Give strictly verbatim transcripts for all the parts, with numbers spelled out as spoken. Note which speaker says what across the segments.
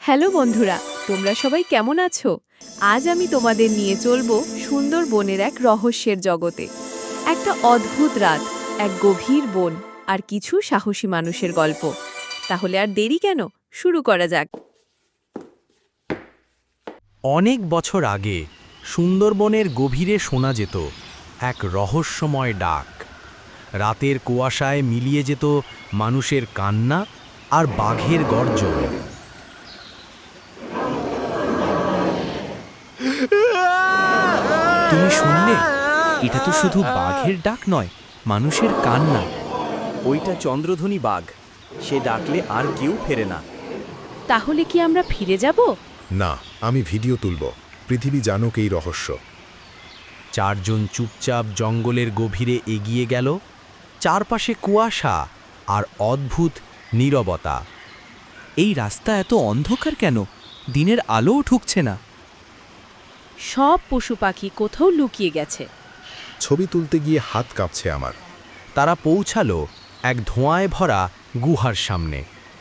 Speaker 1: Hello বন্ধুরা, তোমরা সবাই কেমন আছো? আজ আমি তোমাদের নিয়ে চলবো সুন্দরবনের এক রহস্যের জগতে। একটা অদ্ভুত রাত, এক গভীর বন, আর কিছু সাহসী মানুষের গল্প। তাহলে আর দেরি কেন, শুরু করা যাক।
Speaker 2: অনেক বছর আগে সুন্দরবনের গভীরে শোনা যেত এক রহস্যময় ডাক। রাতের কুয়াশায় মিলিয়ে যেত মানুষের কান্না আর বাঘের গর্জন।
Speaker 3: তুমি শুনলে? এটা তো শুধু বাঘের ডাক নয়, মানুষের কান্না।
Speaker 4: ওইটা চন্দ্রধ্বনি বাঘ, সে ডাকলে আর কেউ ফেরে না।
Speaker 1: তাহলে কি আমরা ফিরে যাব?
Speaker 5: না, আমি ভিডিও তুলব, পৃথিবী জানুক এই রহস্য।
Speaker 2: চারজন চুপচাপ জঙ্গলের গভীরে এগিয়ে গেল। চারপাশে কুয়াশা আর অদ্ভুত নীরবতা।
Speaker 3: এই রাস্তা এত অন্ধকার কেন? দিনের আলোও ঠুকছে না।
Speaker 1: সব পশু পাখি কোথাও লুকিয়ে গেছে।
Speaker 5: ছবি তুলতে গিয়ে হাত কাঁপছে আমার।
Speaker 2: তারা পৌঁছালো এক ধোঁয়ায় ভরা গুহার সামনে।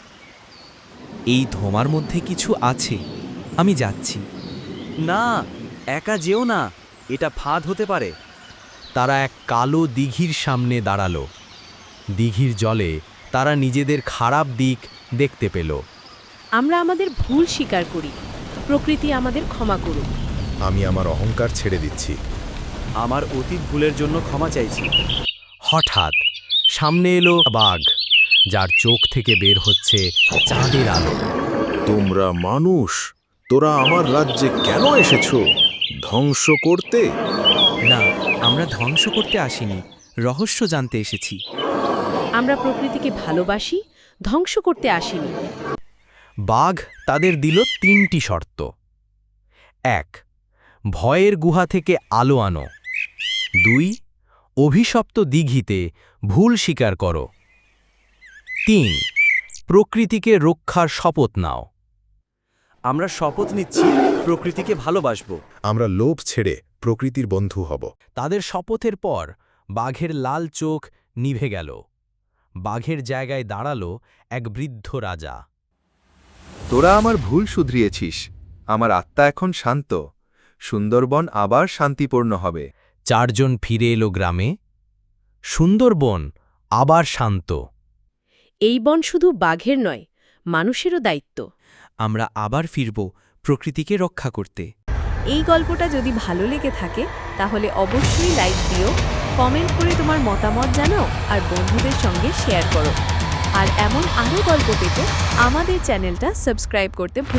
Speaker 3: এই ধোঁয়ার মধ্যে কিছু আছে, আমি যাচ্ছি।
Speaker 4: না, একা যেও না, এটা ফাঁদ হতে পারে।
Speaker 2: তারা এক কালো দিঘির সামনে দাঁড়ালো। দিঘির জলে তারা নিজেদের খারাপ দিক দেখতে পেল।
Speaker 1: আমরা আমাদের ভুল স্বীকার করি, প্রকৃতি আমাদের ক্ষমা করুক।
Speaker 5: আমি আমার অহংকার ছেড়ে দিচ্ছি।
Speaker 4: আমার অতীত ভুলের জন্য ক্ষমা চাইছি।
Speaker 2: হঠাৎ সামনে এলো বাঘ, যার চোখ থেকে বের হচ্ছে চাঁদের আলো।
Speaker 5: তোমরা মানুষ, তোরা আমার রাজ্যে কেন এসেছো? ধ্বংস করতে?
Speaker 3: না, আমরা ধ্বংস করতে আসিনি, রহস্য জানতে এসেছি।
Speaker 1: আমরা প্রকৃতিকে ভালোবাসি, ধ্বংস করতে আসিনি।
Speaker 2: বাঘ তাদের দিল তিনটি শর্ত। এক, ভয়ের গুহা থেকে আলো আনো। দুই, অভিশপ্ত দিঘিতে ভুল স্বীকার করো। তিন, প্রকৃতিকে রক্ষার শপথ নাও।
Speaker 4: আমরা শপথ নিচ্ছি প্রকৃতিকে ভালোবাসবো।
Speaker 5: আমরা লোভ ছেড়ে প্রকৃতির বন্ধু হব।
Speaker 2: তাদের শপথের পর বাঘের লাল চোখ নিভে গেল। বাঘের জায়গায় দাঁড়ালো এক বৃদ্ধ রাজা।
Speaker 6: তোরা আমার ভুল শুধরিয়েছিস, আমার আত্মা এখন শান্ত, সুন্দরবন আবার শান্তিপূর্ণ হবে।
Speaker 2: চারজন ফিরে এলো গ্রামে। সুন্দরবন আবার শান্ত।
Speaker 1: এই বন শুধু বাঘের নয়, মানুষেরও দায়িত্ব।
Speaker 3: আমরা আবার ফিরব প্রকৃতিকে রক্ষা করতে।
Speaker 1: এই গল্পটা যদি ভালো লেগে থাকে তাহলে অবশ্যই লাইক দিও, কমেন্ট করে তোমার মতামত জানাও আর বন্ধুদের সঙ্গে শেয়ার করো। আর এমন আরও গল্প পেতে আমাদের চ্যানেলটা সাবস্ক্রাইব করতে ভুলো না।